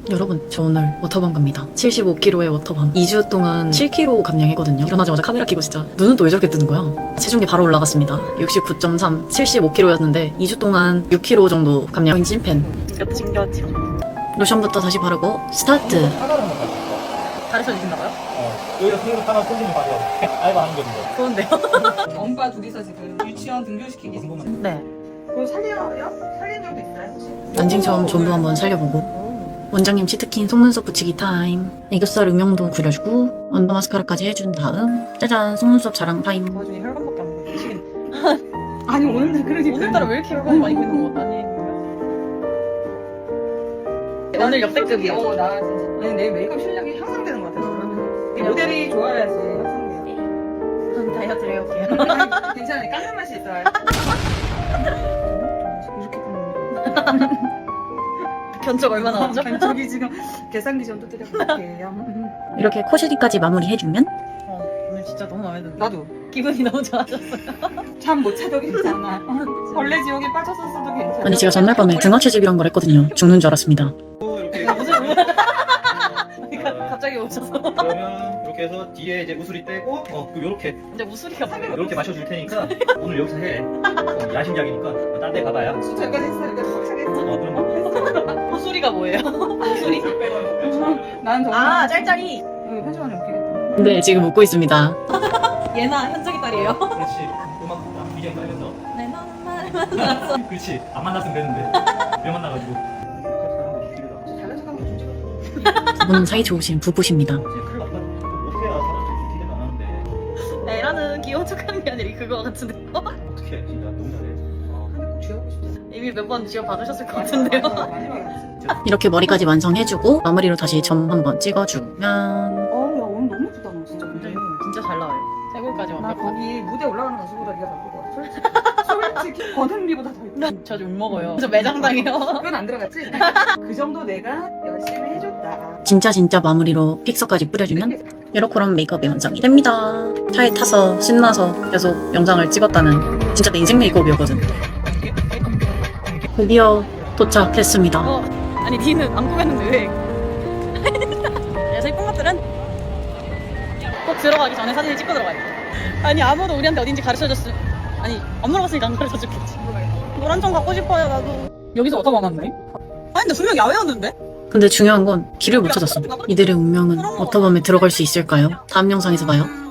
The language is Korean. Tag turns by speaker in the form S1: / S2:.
S1: 여러분, 저 오늘 워터밤 갑니다. 75kg의 워터밤. 2주 동안 7kg 감량했거든요. 일어나자마자 카메라 켜고 진짜 눈은 또 왜 저렇게 뜨는 거야? 체중계 바로 올라갔습니다. 69.3, 75kg였는데 2주 동안 6kg 정도 감량. 찐팬. 이것도 신기하지. 로션부터 다시 바르고 스타트. 가르쳐 주신다고요?
S2: 여기가 생각 하나 꽂으면 바로 알바 하는 거든요.
S1: 좋은데요?
S3: 엄마 둘이서 지금 유치원 등교시키기 지금.
S1: 네.
S3: 그거 살려요? 살린 적도 있어요 혹시?
S1: 난징처럼 전부 한번 살려보고. 원장님 치트킨 속눈썹 붙이기 타임. 애교살 음영도 그려주고 언더 마스카라까지 해준 다음 짜잔 속눈썹 자랑 타임.
S4: 그 와중에 혈관밖에 안 보여. 미치겠네.
S3: 아니 오늘날 그러니까
S4: 오늘따라 왜 이렇게 혈관이 많이 보이는 거 같다니. 오늘 역대급이야.
S3: 나 진짜. 아니 내 메이크업 실력이 향상되는 것 같아. 그러면 모델이 좋아야지 향상돼요.
S4: 전 다이어트 해볼게요.
S3: 괜찮아 깎는 맛이 있어요. 이렇게 깎는
S4: 견적 얼마 나왔죠?
S3: 저기 지금 계산기 좀 두드려볼게요.
S1: 이렇게 코시리까지 마무리해주면
S4: 오늘 진짜 너무 마음에 드는데.
S3: 나도
S4: 기분이 너무 좋아졌어요.
S3: 잠 못 자도 괜찮아. 벌레 지옥에 빠졌었어도 괜찮아.
S1: 아니 제가 전날 밤에 등하체집이란 걸 했거든요. 죽는 줄 알았습니다.
S2: 이렇게
S4: 갑자기 오셔서.
S2: 그러면 이렇게 해서 뒤에 이제 우수리 떼고 요렇게
S4: 근데 우수리가 뭐예요?
S2: 이렇게 마셔줄 테니까 오늘 여기서 해. 야심작이니까 딴 데 가봐야.
S3: 저까지 했으니까 확실했어.
S2: 그럼
S4: 우수리가 뭐예요? 우수리?
S3: 난 정말
S4: 짤짤이.
S3: 편집하면 웃기겠다.
S1: 네, 지금 웃고 있습니다.
S4: 얘나 현석이 딸이에요.
S2: 그렇지. 음악 BGM 깔면서.
S4: 내 너는 말만.
S2: 그렇지. 안 만났으면 되는데 왜 만나가지고.
S3: 잘난 척하는 거좀 찍어줘.
S1: 두 분은 사이 좋으신 부부십니다.
S2: 큰일 났다. 어떻게 해야 사람들이 기대가 안 하는데.
S4: 애라는 귀여운 척하는 게 아니라 그거 같은데.
S2: 어떻게 진짜 너무 잘해.
S3: 한대 꼭 쥐어보고 싶다.
S4: 이미 몇 번 지원 받으셨을 것 같은데요.
S3: 마지막에 진짜.
S1: 이렇게 머리까지 완성해주고 마무리로 다시 점 한번 찍어주면
S3: 야 오늘 너무 예쁘다 너 진짜 근데.
S4: 진짜 잘 나와요. 최고까지
S3: 나
S4: 완벽하고.
S3: 거기 무대 올라가는 가수보다 네가 더 예쁠 것 같아. 솔직히 권은비보다 더 예뻐.
S4: 저 욕 먹어요. 저 매장당해요.
S3: 그건 안 들어갔지? 그 정도 내가 열심히 해줬다.
S1: 진짜 마무리로 픽서까지 뿌려주면 이렇게런 메이크업이 완성이 됩니다. 차에 타서 신나서 계속 영상을 찍었다는 진짜 내 인생 메이크업이었거든. 드디어 도착했습니다.
S4: 아니 니는 안 꾸몄는데 왜? 그래서 이쁜 것들은 꼭 들어가기 전에 사진을 찍고 들어가야 돼. 아니 아무도 우리한테 어딘지 가르쳐줬으. 아니 안 물어봤으니까 안 가르쳐줬겠지. 노란 점 갖고 싶어요 나도. 여기서 어디서 만났네? 아니 근데 분명 야외였는데?
S1: 근데 중요한 건 길을 못 찾았어. 이들의 운명은 워터밤에 들어갈 수 있을까요? 다음 영상에서 봐요.